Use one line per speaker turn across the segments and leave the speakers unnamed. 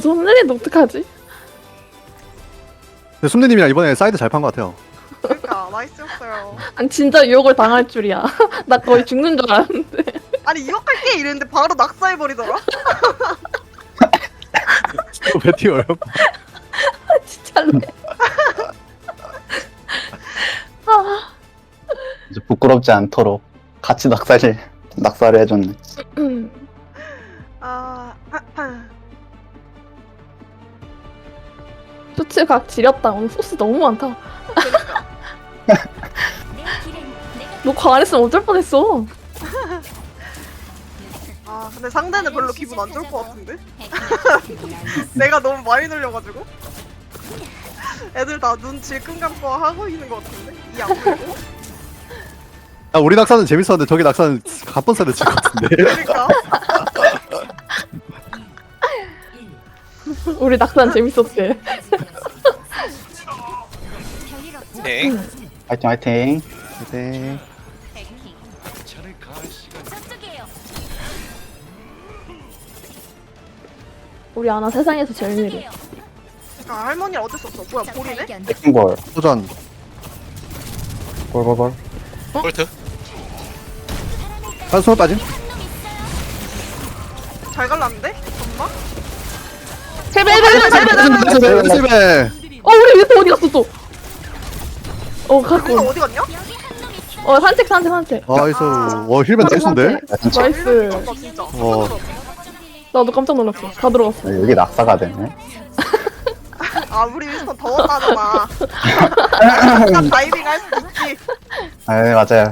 손내리는 어떡하지?
근데 숨내님이랑 이번에 사이드 잘 판 것 같아요.
그러니까 나이스였어요.
아니 진짜 유혹을 당할 줄이야. 나 거의 죽는 줄 알았는데.
아니 유혹할게 이랬는데 바로 낙사해버리더라.
왜 튀어요?
진짜로. 아,
이제 부끄럽지 않도록 같이 낙사를 해줬네.
아,
쇼츠각 지렸다. 오늘 소스 너무 많다.
그러니까.
너 과 안 했으면 어쩔 뻔했어.
아 근데 상대는 별로 기분 안 좋을 것 같은데? 내가 너무 많이 놀려가지고 애들 다 눈 질끈 감고 하고 있는 것 같은데? 이 안 보이고?
아, 우리 낙사는 재밌었는데 저기 낙사는 갑분싸를 칠것 같은데.
그러니까
우리 낙산 재밌었대.
네.
화이팅 화이팅.
네.
우리 아나 세상에서 제일 느려.
아 할머니는 어쩔 수 없어. 뭐야 볼이네?
백킹볼.
도전.
볼볼볼.
볼트.
한 손을 빠짐.
잘 갈랐는데? 엄마?
세배.
실패.
우리 위에서 어디 갔어 또?
우리가
갖고.
어디 갔냐?
산책.
나이스. 와 힐벤 떼순데?
진짜
나이스.
나 진짜.
와.
나도 깜짝 놀랐어. 다 들어갔어.
여기 낙사가 되네.
아 우리 윈스턴 더웠다잖아. 그냥 다이빙 할 수도 있지.
네 맞아요.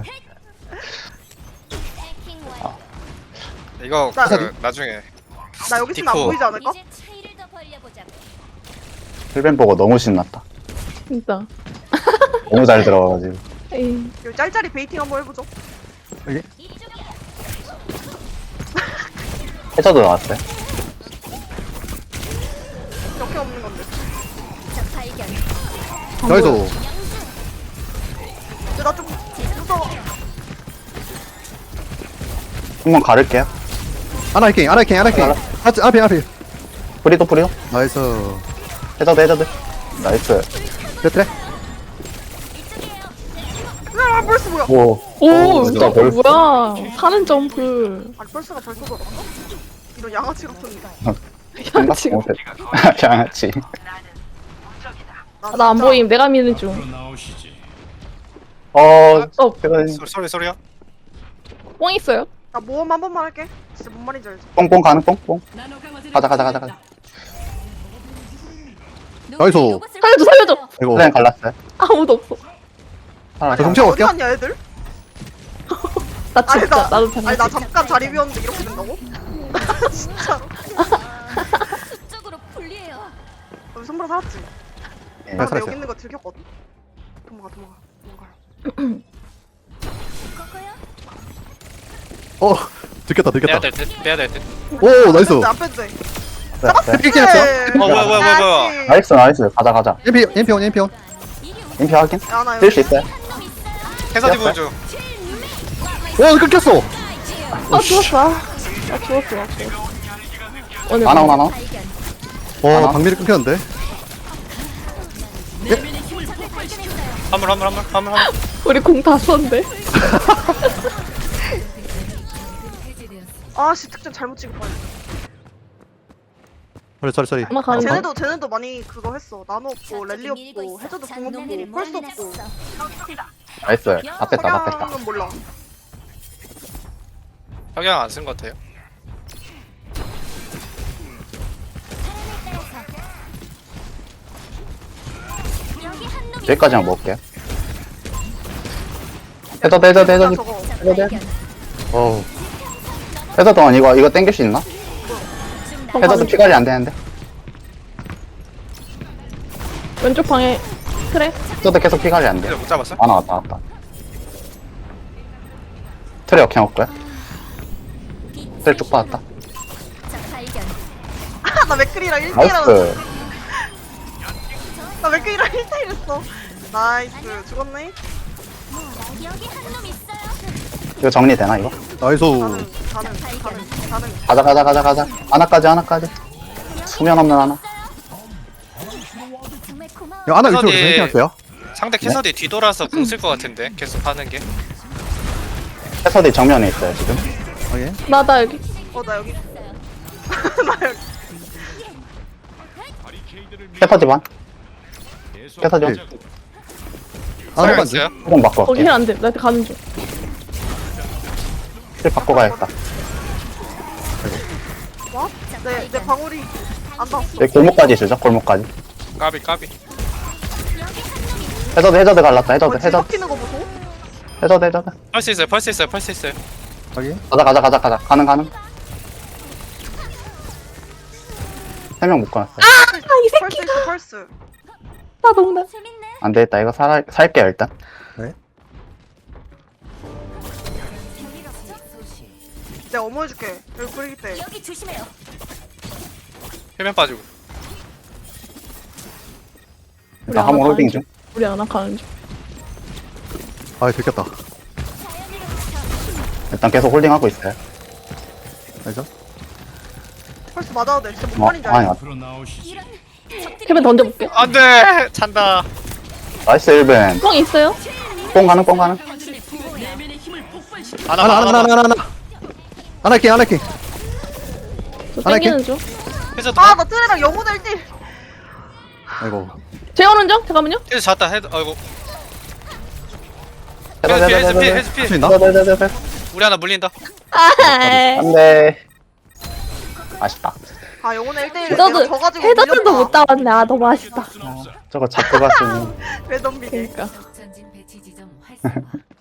이거
나-
나중에
나 여기 있으면 안
디코.
보이지 않을까?
힐벤 보고 너무 신났다.
진짜.
너무 잘 들어가가지고.
에이.
여기 짤짤이 베이팅 한번 해보죠.
해저도 나왔어요.
이렇게 없는 건데.
나이스.
근데 나 좀 무서워.
한번 가를게요.
아나이킹. 앞에.
프리도.
나이스.
해저드. 나이스.
그래.
아 벌써 뭐야?
오,
진짜
이거 뭐야? 사는 점프.
아니 벌써가 벌써 돌았어? 이런 양아치 같은.
양치.
양아치.
나 안 보임. 내가 미는 중.
소리야.
뽕 있어요?
나 모험 한 번만 할게. 진짜 뭔 말인지 알지?
뽕뽕 가는 뽕뽕. 가자.
나이스.
살려줘.
이거.
플랜 갈랐어요.
아무도 없어.
하나,
저 동체
어디
갈게요.
갔냐 애들?
나
아니
진짜
나
나도 잘.
아니 나 잠깐 자리 비웠는데 이렇게 된다고? 진짜로?
쪽으로 불리해요.
여기 손보라 살았지?
예.
나
살았어요.
여기 있는 거 들켰거든? 도망가.
들켰다.
빼야 될 듯. 빼야 될 듯.
오 나이스.
안 빼도 돼.
네.
삐끼 했어요?
네.
뭐야.
나이스. 가자.
엠피온.
인피 확인.
야나
뛸 수 있어요.
해서 디브 중.
와 끊겼어.
죽었어. 나 죽었어. 오늘
하나.
와
하나?
방밀이 끊겼는데.
화물.
우리 공 다 썼는데.
아씨 특전 잘못 찍을 뻔.
소리.
아마 가는 거.
쟤네도 많이 그거 했어. 나노 없고 랠리 없고 해저도 공 없고 펄스 없고.
나이스. 다 뺐다.
석양은 몰라.
석양 안 쓴 것 같아요.
여기까지만 먹을게요. 해저드.
저거
어우.
해저드 동안 이거 땡길 수 있나? 해저드 피 관리 안 되는데.
왼쪽 방에 그래.
해저드 계속 피 관리 안 돼.
그래서 못 잡았어?
아 나왔다. 트레 역행 없고요. 트레 쭉 받았다.
나 맥크리랑 1대1
나이스.
나 맥크리랑 1대1 했어. 나이스 죽었네.
이거 정리되나 이거?
나이스.
가는.
가자. 하나까지. 수면 없는 하나.
정말 고마워.
이거 하나 위쪽으로
어디-
생각할게요.
상대 캐서디 뒤돌아서 궁 쓸 것 같은데 계속 하는 게.
해서디 정면에 있어요 지금.
확인.
나 여기.
나 여기. 나 여기.
해서디 반. 해서디 반.
하나
잘
반지.
있어요?
조금 바꿔.
거기 힐안 돼. 나한테 가는 중.
힐 바꿔 가야겠다.
뭐? 내 방울이 안 닿았어.
여기 골목까지 주죠. 골목까지.
까비 까비.
해저드 갈랐다. 해저드
뭐
해저드
뒤바뀌는 거 보소?
해저드.
펄스 있어요. 펄스 있어요. 펄스 있어요.
확인.
가자. 가는. 3명 묶어놨어요.
펄스 있어 펄스.
나 너무
재밌네.
안 되겠다. 이거 살게요 일단.
별일 없죠?
내가 어머 해줄게. 여기 뿌리기 때.
여기 조심해요.
해면 빠지고.
일단 한번 홀딩 중.
우리 하나 가는 중.
아 들켰다.
일단 계속 홀딩하고 있어요.
알죠?
펄스 맞아도 돼. 진짜 못
어,
말인지
아니,
알지?
이런 적들이
해변 던져볼게.
안돼 찬다.
나이스 1벤.
뻥 있어요?
뽕 가는.
하나. 하나 킹.
저
하나
땡기는 중.
해저드.
아, 나 트레랑 영혼의 1대1.
아이고.
재우는 중? 잠깐만요.
헤드 잤다. 헤드. 아이고.
해저드.
헤드
할 수
피.
있나?
우리 하나 물린다.
안돼. 아쉽다.
아, 영혼의 1대1.
해저드,
내가 져가지고
해저드도
밀렸다.
못 따왔네. 아, 너무 아쉽다.
저거 잡고 갔으면.
왜 덤비게.
그니까.
전진 배치 지점 활성화.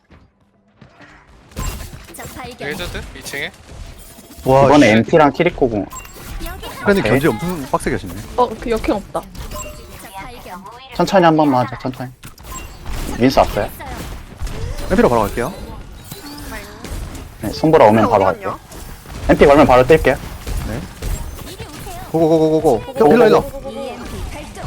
적 발견.
헤저드 2층에.
와.
이번에 MT랑 키리코궁.
여기
프렌드
오케이.
견지 엄청 빡세게 하시네.
그 역행 없다.
적 발견.
천천히 한 번만 하자. 천천히. 민수 왔어요.
있어요.
엠피로 바로 갈게요.
네, 손보라 오면 바로
어디
갈게요. MP 걸면 바로 뛸게요.
이리 오세요.
고고고고고고. 힐러.
EMP 발동.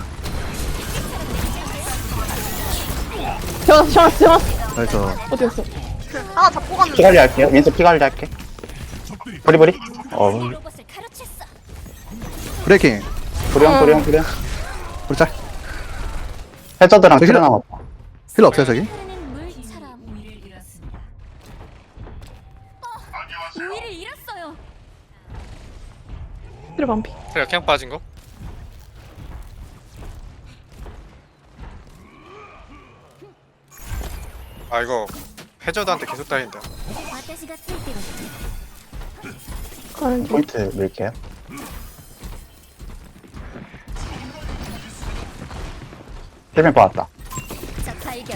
재웠어.
나이스.
어디 갔어?
하나 잡고 갔는데.
피관리 할게요. 민수 피관리 할게. 브리브리.
로봇을 가로챘어.
브레이킹.
브리형.
우리 짤.
해저드랑
저기
트레
힐러.
남았다.
힐러 없어요 저기?
흐르는 물처럼 우위를 잃었습니다. 우위를 잃었어요.
그래 반피.
그래 그냥 빠진 거. 아 이거 해저드한테 계속 따인다.
私がついてる。
가는 중.
포인트 밀게요. 힐맨 받았다.
적 발견.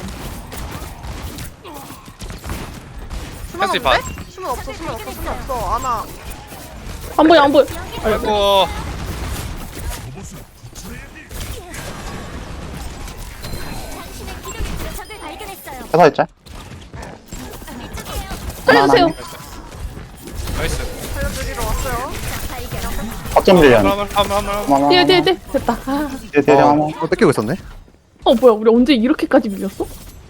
수면
펄스
없는데? 수면 없어. 아나.
안 보여.
아이고.
당신의 기둥에서 적을 발견했어요.
해서 있자.
살려주세요.
나이스.
살려드리러 왔어요.
적 발견.
확정 밀리언.
한번.
뒤에. 됐다. 아.
뒤에 한번.
뺏기고 있었네.
뭐야. 우리 언제 이렇게까지 밀렸어?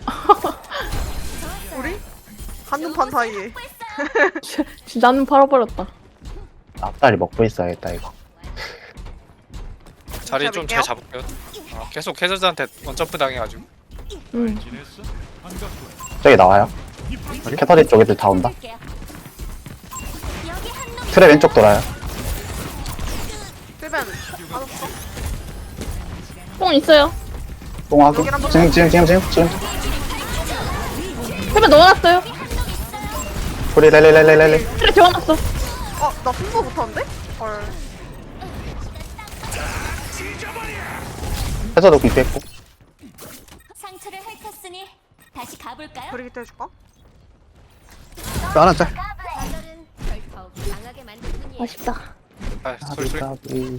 우리? 한눈판 사이에.
진짜 나는 팔아버렸다.
앞다리 먹고 있어야겠다 이거.
자리 좀 잘 잡을게요. 계속 해저드한테 원점프 당해가지고.
응.
저기 나와요. 캐터리 쪽 애들 다 온다.
여기 한 놈.
트레 왼쪽 돌아요.
필벤. 맞았어?
뽕 있어요.
뽕하고. 지금.
해변 넣어놨어요.
우리 렐레.
그래 재워놨어.
나 승부 못하는데? 헐.
해서도 공피했고.
상처를 핥았으니 다시 가볼까요?
브리기 때 해줄까?
하나 짤.
좌절은 절 더욱 강하게 만들 뿐이에요.
아쉽다.
아 소리.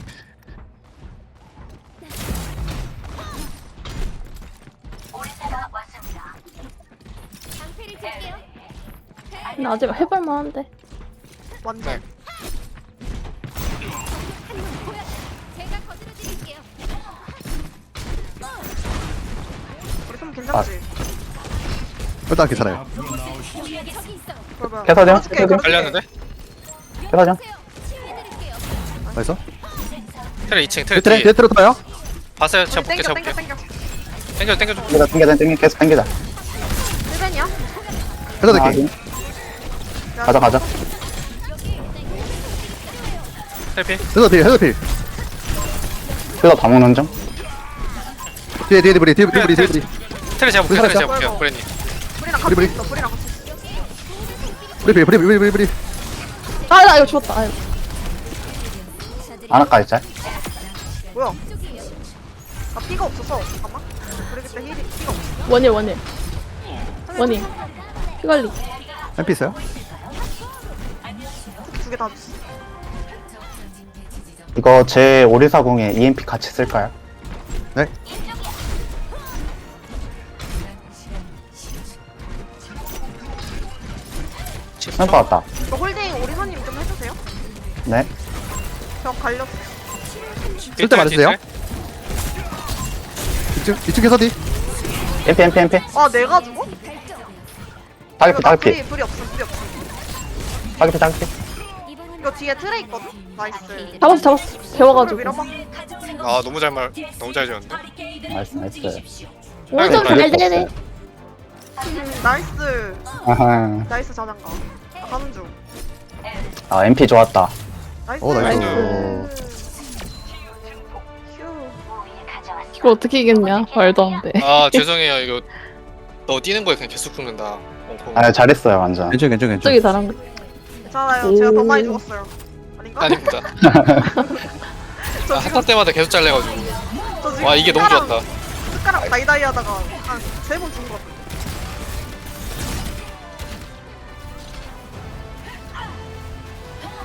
방패를 들게요.
근데 아직 해볼만한데.
완전.
제가 거들어드릴게요.
우리 좀 괜찮지?
일단 괜찮아요.
여기 적이 있어.
그러면
캐서디언?
걸어줄게, 걸어줄게.
갈렸는데?
해서죠.
치유해드릴게요.
나이스.
트레 2층 트레
트레
뒤에
뒤에 트레 타요?
봤어요? 제가
우리
볼게
땡겨
제가 볼게
땡겨 땡겨
땡겨 좀
땡기자 계속 땡기자.
1벤이야?
해도
아,
될게.
가자.
트레 피
해도 필 해도 필.
해서 다 먹는 중.
뒤에 브리 뒤에 브리 뒤에 브리.
트레 제가 볼게요 트레
살았어?
제가 볼게요 브레님
불이랑
우리
같이 있어 불이랑 같이 있어
브리.
나 이거 죽었다. 아이고.
하나까지 짤.
뭐야 나 피가 없어서 잠깐만 우리 그때 힐이 피가 없어
원일. 피관리.
MP 있어요?
두 개 다 줬어
이거 제 오리사공에 EMP 같이 쓸까요?
네.
샘퍼 왔다.
이거 홀딩 오리사님 좀 해주세요
네.
저 갈렸어
쓸때 말해주세요. 2층 캐서디.
MP.
아 내가 죽어?
타겟피.
불이 없음
타겟피.
이거 뒤에 트레 있거든? 나이스
잡았어. 배워가지고.
밀어봐
아 너무 잘 지었는데
나이스.
오른쪽 네네네.
나이스
아하.
나이스 자장가 가는 중
아 MP 좋았다.
나이스
오, 나이스.
휴
이거 어떻게 이겼냐? 말도 안 돼.
아 죄송해요 이거 너 뛰는 거에 그냥 계속 죽는다
아 잘했어요 완전.
괜찮.
저기 잘한 거.
괜찮아요 제가 더 많이 죽었어요 아닌가?
아닙니다
저
아,
지금
한타 때마다 계속 잘려가지고
저 지금
와 이게 너무
숟가락-
좋았다
숟가락 다이다이 하다가 한 3번 죽은 것 같아